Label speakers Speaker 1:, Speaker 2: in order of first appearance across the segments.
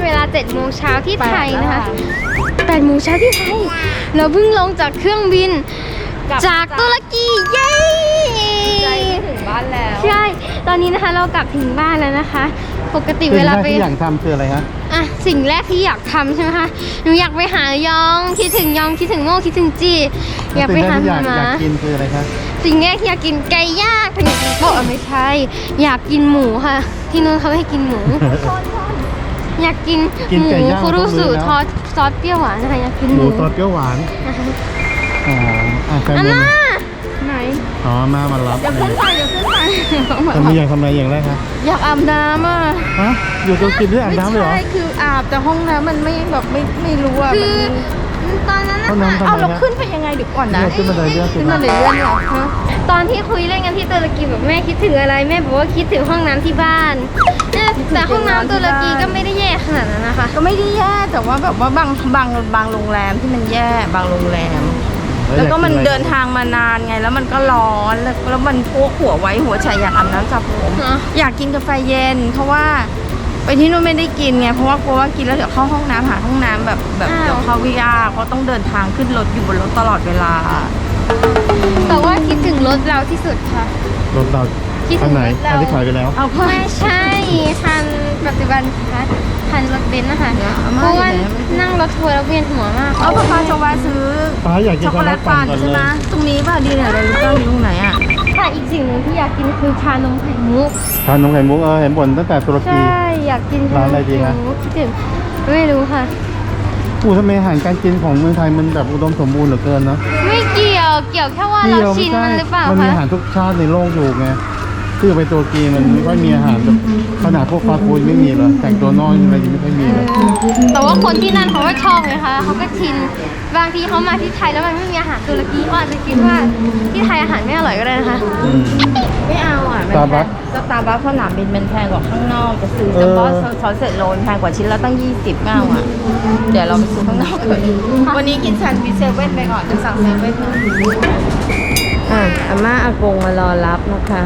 Speaker 1: เวลา7 โมงเช้าที่ไทยนะคะ8 โมงเช้าที่ไทยเราเพิ่งลงจากเครื่องบินจากตุรกีเย้
Speaker 2: ใจถึงบ้านแล้ว
Speaker 1: ใช่ตอนนี้นะคะเรากลับถึงบ้านแล้วนะคะปกติเวลาไป
Speaker 3: ที่อยากทำคืออะไรฮะ
Speaker 1: สิ่งแรกที่อยากทำใช่ไหมคะหนูอยากไปหายองคิดถึงยองคิดถึงโม่คิดถึงจีอยากไปหาหมา
Speaker 3: อยากกินคืออะไรคะ
Speaker 1: สิ่งแรกที่อยากกินไก่ย่างถึงบอกไม่ใช่อยากกินหมูค่ะที่นู้นเขาให้กินหมูอยากกินหมูคุรุสุทอดซอสเปรี้ยวหวานนะคะอยากกินหมู
Speaker 3: ซอสเปรี้ยวหวานอ๋อแฟน
Speaker 1: อาม่าไหน
Speaker 3: อ๋อมารับ
Speaker 2: เดี๋ยวขึ้นไป
Speaker 3: ทำอยากทำอะไรอย่างแรกคะ
Speaker 2: อยากอาบน้ำอ่ะ
Speaker 3: ฮะอยู่ตรงกินด้วยอาบน้ำเลยเหรอ
Speaker 2: ไม่ใช่คืออาบแต่ห้องน้ำมันไม่รู้อ่ะ
Speaker 1: คือตอนนั้นนะคะ
Speaker 2: เอาเราขึ้นไปยังไงเดี๋ยวก่อนนะ
Speaker 3: ขึ้นมาเลยเรื่อง
Speaker 2: ขึ้นมาเลยเรื่องเหรอ
Speaker 1: ตอนที่คุยเล่นกันที่ตุรกีแบบแม่คิดถึงอะไรแม่บอกว่าคิดถึงห้องน้ำที่บ้านแต่ห้องน้ำตุรกีก็ไม่ได้แย่ขนาดนั้นนะคะ
Speaker 2: ก็ไม่ได้แย่แต่ว่าแบบว่าบางโรงแรมที่มันแย่บางโรงแรมแล้วก็มันเดินทางมานานไงแล้วมันก็ร้อนแล้วมันพวกหัวไว้หัวใจอยากอาบน้ำสระผมอยากกินกาแฟเย็นเพราะว่าไปที่นู่นไม่ได้กินไงเพราะว่ากลัวว่ากินแล้วเดี๋ยวเข้าห้องน้ำหาห้องน้ำแบบเดี๋ยวเข้าวิยาเพราะต้องเดินทางขึ้นรถอยู่บนรถตลอดเวลา
Speaker 1: แต่ว่าคิดถึงรถเราที่สุดค่ะ
Speaker 3: รถเราคันไหนคันที่ขายไปแล้ว
Speaker 1: ไม่ใช่คันปัจจุบันค่ะคันรถเบนซ์นะคะเพราะว่านั่งรถทัวร์แล้วเวียนหัวมาก
Speaker 2: ป้าจะแวะซื้อช็อกโกแลตปั่นใช่ไหมตรงนี้ป่ะดีเนี่ยอะไรรู้ป่ะมีตรงไหนอ่ะ
Speaker 1: ค่ะอีกสิ่งหนึ่งที่อยากกินคือชานมไข่มุก
Speaker 3: เห็นบ่นตั้งแต่ตุรกี
Speaker 1: ใช่อยากกิน
Speaker 3: ร้านอะไรดีคะ
Speaker 1: คิดถึงไม่รู้ค่ะ
Speaker 3: ทำไมอาหารการกินของเมืองไทยมันแบบอุดมสมบูรณ์เหลือเกินนะ
Speaker 1: ไม่เกี่ยวแค่ว่าเราชินมันหรือเปล่าคะ
Speaker 3: มันมีอาหารทุกชาติในโลกอยู่ไงที่ไปตุรกีมันไม่ค่อยมีอาหารแบบขนาดพวกฟาสต์ฟู้ดไม่มีเลยแต่งตัวนอกอะไรยังไม่ค่อยมีเลย
Speaker 1: แต่ว่าคนที่นั่นเขาก็ชอบไงคะเขาก็ชินบางทีเขามาที่ไทยแล้วมันไม่มีอาหารตุรกีเขาอาจจะคิดว่าที่ไทยอาหารไม่อร่อยก็ได้นะคะ
Speaker 2: ไม่เอาอ่ะสตาร์บัคสนามบินมันแพงกว่าข้างนอกจะซื้อซัมบอสซอสเสร็จโลนแพงกว่าชิ้นละตั้ง20เก้าอ่ะเดี๋ยวเราไปซื้อข้างนอกเลยวันนี้กินแซนด์วิชเซเว่นไปก่อนจะสั่งเซเว่นนะอาม่าอากงมารอรับนะคะ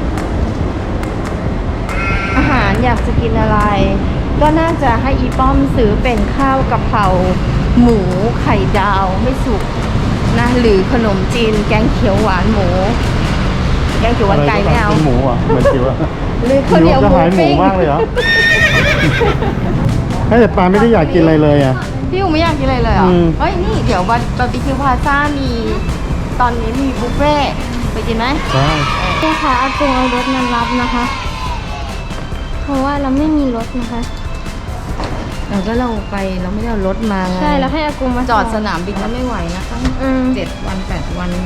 Speaker 2: อาหารอยากจะกินอะไรก็น่าจะให้อีป้อมซื้อเป็นข้าวกะเพราหมูไข่ดาวไม่สุกนะหรือขนมจีนแกงเขียวหวานหมูแกงเขียวหวานไก่ไม่เอา
Speaker 3: หมูอ่ะเหมือนจิ๋วอ่ะ
Speaker 2: หรือข้าวเหนียวหมูปิ้ง
Speaker 3: มากเลยเหรอแต่ปาไม่ได้อยากกินอะไรเลยอ่ะ
Speaker 2: พี่อูไม่อยากกินอะไรเลยเหรอเฮ้ยนี่เดี๋ยวบาร์บีคิวพาซ่ามีตอนนี้มีบุฟเฟ่ไปกินไหม
Speaker 3: ใช่
Speaker 1: เนี่ยค่ะอากงเอารถมารับนะคะเพราะว่าเราไม่มีรถนะคะ
Speaker 2: เราก็เราไปเราไม่ได้เอารถมา
Speaker 1: ใช่แล้วให้อากงมา
Speaker 2: จอดสนามบินก็ไม่ไหวนะตั้ง7 วัน 8 วัน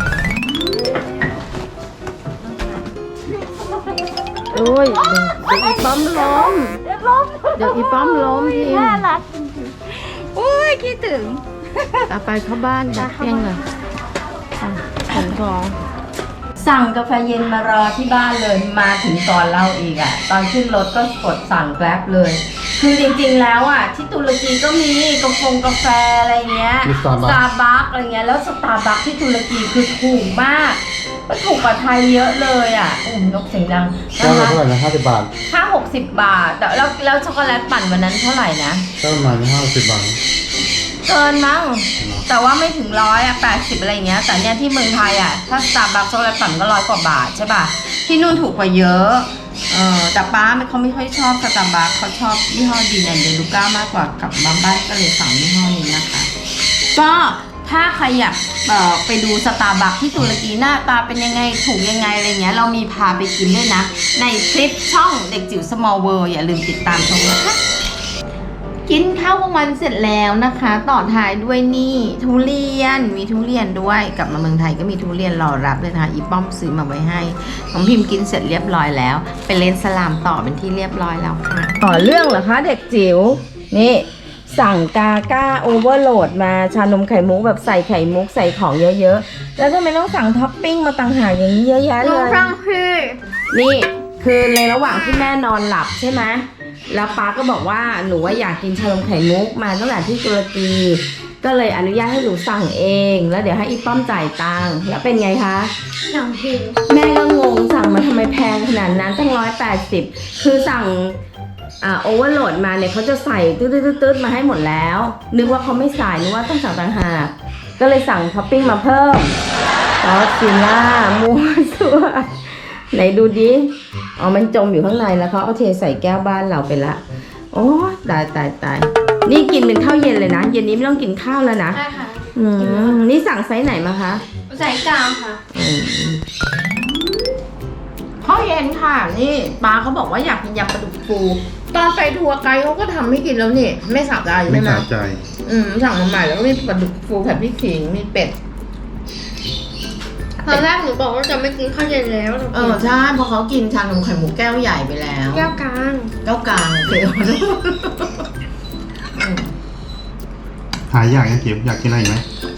Speaker 2: โอ้ยเดี๋ยวอีป้อมล้มเดี๋ยวอีป้อมล้มที
Speaker 1: น่ารักโอ้ยคิดถึง
Speaker 2: ต่อไปเข้าบ้านดักเพียงเลยขนของสั่งกาแฟเย็นมารอที่บ้านเลยมาถึงก่อนเราอีกอ่ะตอนขึ้นรถก็กดสั่งแกร็บเลยคือจริงๆแล้วอ่ะที่ตุรกีก็มีกาแฟอะไรเงี้ยสตาร์บัคอะไรเงี้ยแล้วสตาร์บัคที่ตุรกีคือถูกมากก็ถูกกว่าไทยเยอะเลยอ่ะนกเสียงดัง
Speaker 3: นะคะเท่าไหร่นะ50 บาท
Speaker 2: ค่า60 บาทแต่แล้วช็อกโกแลตปั่นวันนั้นเท่าไหร่นะ
Speaker 3: ก็ประมาณ50 บาท
Speaker 2: เกินมั้งแต่ว่าไม่ถึง100อ่ะ80อะไรเงี้ยแต่เนี่ยที่เมืองไทยอ่ะถ้าสตาร์บัคช็อกโกแลตปั่นก็100 กว่าบาทใช่ป่ะที่นู่นถูกกว่าเยอะแต่ป้าเขาไม่ค่อยชอบสตาร์บัคเขาชอบยี่ห้อดีแอนเดลูก้ามากกว่ากับบ้านก็เลยสั่งยี่ห้อนี้นะคะก็ถ้าใครอยากไปดูสตาร์บัคที่ตุรกีหน้าตาเป็นยังไงถูกยังไงอะไรเงี้ยเรามีพาไปกินด้วยนะในคลิปช่องเด็กจิ๋ว Small World อย่าลืมติดตามชมนะคะกินข้าวกลางวันเสร็จแล้วนะคะต่อท้ายด้วยนี่ทุเรียนมีทุเรียนด้วยกลับมาเมืองไทยก็มีทุเรียนรอรับเลยนะคะอีป้อมซื้อมาไว้ให้ของพิมพ์กินเสร็จเรียบร้อยแล้วไปเล่นสลามต่อเป็นที่เรียบร้อยแล้วค่ะต่อเรื่องเหรอคะเด็กจิ๋วนี่สั่งกาก้าโอเวอร์โหลดมาชานมไข่มุกแบบใส่ไข่มุกใส่ของเยอะๆแล้วทำไมต้องสั่งท็อปปิ้งมาต่างหากอย่างนี้เยอะแยะเลยนี่คือในระหว่างที่แม่นอนหลับใช่ไหมแล้วป้าก็บอกว่าหนูว่าอยากกินชานมไข่มุกมาตั้งแต่ที่ตุรกีก็เลยอนุญาตให้หนูสั่งเองแล้วเดี๋ยวให้อีป้อมจ่ายตังค์แล้วเป็นไงคะ
Speaker 1: สั่งผิด
Speaker 2: แม่ก็งงสั่งมาทำไมแพงขนาดนั้นตั้ง180คือสั่งโอเวอร์โหลดมาเนี่ยเขาจะใส่ตืดๆมาให้หมดแล้ว นึกว่าเขาไม่ใส่นึกว่าต้องสั่งต่างหากก็เลยสั่งท็อปปิ้งมาเพิ่มซอสซิล่ามัวซัวไหนดูดิอ๋อมันจมอยู่ข้างในแล้วเขาเอาเทใส่แก้วบ้านเราไปละโอ้ตายนี่กินเป็นข้าวเย็นเลยนะเย็นนี้ไม่ต้องกินข้าวแล้วนะ
Speaker 1: ใช่ค่ะ
Speaker 2: นี่สั่งไซส์ไหนมาคะ
Speaker 1: ใส่กลางค่ะ
Speaker 2: ข้าวเย็นค่ะนี่ป้าเขาบอกว่าอยากกินยำปลาดุกฟูตอนไปทัวร์ไกด์เขาก็ทำให้กินแล้วนี่ไม่สะใจ
Speaker 3: ไม่
Speaker 2: ใช่ไหม
Speaker 3: สะใจ
Speaker 2: สั่งมาใหม่แล้วก็มีปลาดุกฟูผัดพริกขิงมีเป็ด
Speaker 1: ตอนแรกหนูบอกว่าจะไม่กินข้าวเย็นแล้วหนูกิน
Speaker 2: ใช่เพราะเขากินชานมไข่มุกแก้วใหญ่ไปแล้ว
Speaker 1: แก้วกลาง
Speaker 2: แก้วกลางโอเค
Speaker 3: หายอยากยังเก็บอยากกินอะไรอีกไหม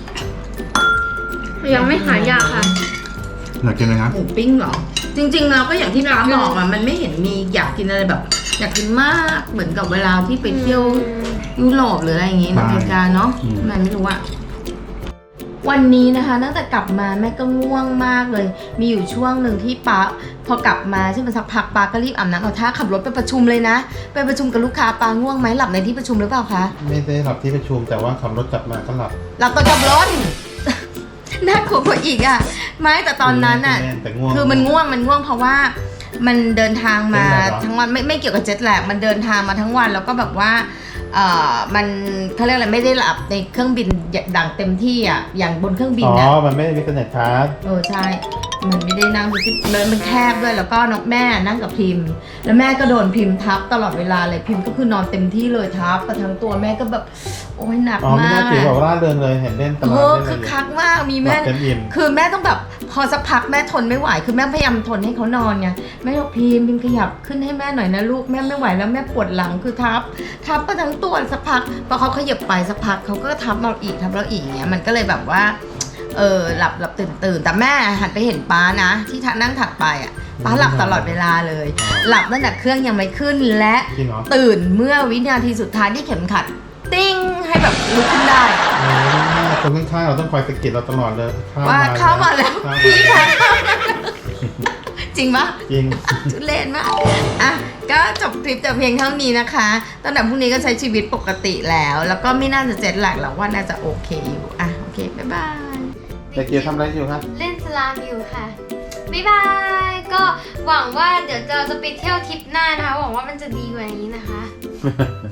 Speaker 1: ยังไม่หายากค่ะ
Speaker 3: อยากกินอะไรครับ
Speaker 2: หมูปิ้งเหรอจริงๆเราก็อย่างที่ร้านบอกอะมันไม่เห็นมีอยากกินอะไรแบบ อยากกินมากเหมือนกับเวลาที่ไปเที่ยวยุโรปหรืออะไรอย่างงี้อเมริกาเนาะมันไม่รู้อะวันนี้นะคะตั้งแต่กลับมาแม่ก็ง่วงมากเลย มีอยู่ช่วงหนึ่งที่ป้าพอกลับมาใช่ไหมสักพักป้าก็รีบอาบน้ำเอาท่าขับรถไปประชุมเลยนะไปประชุมกับลูกค้าป้าง่วงไหมหลับในที่ประชุมหรือเปล่าคะ
Speaker 3: ไม่ได้หลับที่ประชุมแต่ว่าขับรถกลับมาก็หลับ
Speaker 2: หลับตอนขับรถ น่ากลัวกว่าอีกอ่ะไม่แต่ตอนนั้นอ่ะ
Speaker 3: แต่ง่วง
Speaker 2: คือมันง่วงเพราะว่ามันเดินทางมา
Speaker 3: เจ็ตแลกเหรอ
Speaker 2: ทั้งวันไม่เกี่ยวกับเจ็ตแลกมันเดินทางมาทั้งวันแล้วก็แบบว่ามันเขาเรียกอะไรไม่ได้หลับในเครื่องบินดังเต็มที่อ่ะอย่างบนเครื่องบิน
Speaker 3: อ๋
Speaker 2: อ่ะ
Speaker 3: อมันไม่ได้มีสเน็ตชาร์จ
Speaker 2: ใช่มันไม่ได้นั่งมันแคบด้วยแล้วก็น้องแม่นั่งกับพิมพ์ แล้วแม่ก็โดนพิมพ์ทับตลอดเวลาเลยพิมพ์ก็คือนอนเต็มที่เลยทับไปทั้งตัวแม่ก็แบบโอ้ยหนัก
Speaker 3: อ๋อไม่
Speaker 2: มา
Speaker 3: น่าก ถือแบบร่าเริงเลยเห็นเล่นตลอด
Speaker 2: โอ้
Speaker 3: เล่นอะไร
Speaker 2: คือ
Speaker 3: อยู่
Speaker 2: คักมากมี
Speaker 3: หลั
Speaker 2: แม่
Speaker 3: บเต็มอิ่ม
Speaker 2: คือแม่ต้องแบบพอสักพักแม่ทนไม่ไหวคือแม่พยายามทนให้เขานอนไงแม่บอกพิมขยับขึ้นให้แม่หน่อยนะลูกแม่ไม่ไหวแล้วแม่ปวดหลังคือทับไปทั้งตัวสักพักพอเขาขยับไปสักพักเขาก็ทับเราอีกเงี้ยมันก็เลยแบบว่าหลับตื่นแต่แม่หันไปเห็นป้านะที่นั่งถัดไปอ่ะป้าหลับตลอดเวลาเลย หลับตั้งแต่เครื่องยังไม่ขึ้นและ
Speaker 3: จริงเหรอ
Speaker 2: ตื่นเมื่อวินาทีสุดท้ายที่เข็มขัดติ้งให้แบบลุกขึ้นได้
Speaker 3: คนข้างๆเราต้องคอยสะกิดเราตลอดเลย
Speaker 2: ว่าเข้ามาแล้วพี่คะจริงปะ
Speaker 3: จริง
Speaker 2: ทุเรศมากอ่ะก็จบคลิปแต่เพียงเท่านี้นะคะตั้งแต่พรุ่งนี้ก็ใช้ชีวิตปกติแล้วก็ไม่น่าจะเจ็ตแลกหรอกว่าน่าจะโอเคอยู่อ่ะโอเคบ๊ายบาย
Speaker 3: เด็กเกียวทำอะไรอยู่ครับ
Speaker 1: เล่นสลามอยู่ค่ะ บ๊ายบาย ก็หวังว่าเดี๋ยวเราจะไปเที่ยวทริปหน้านะคะ หวังว่ามันจะดีกว่านี้นะคะ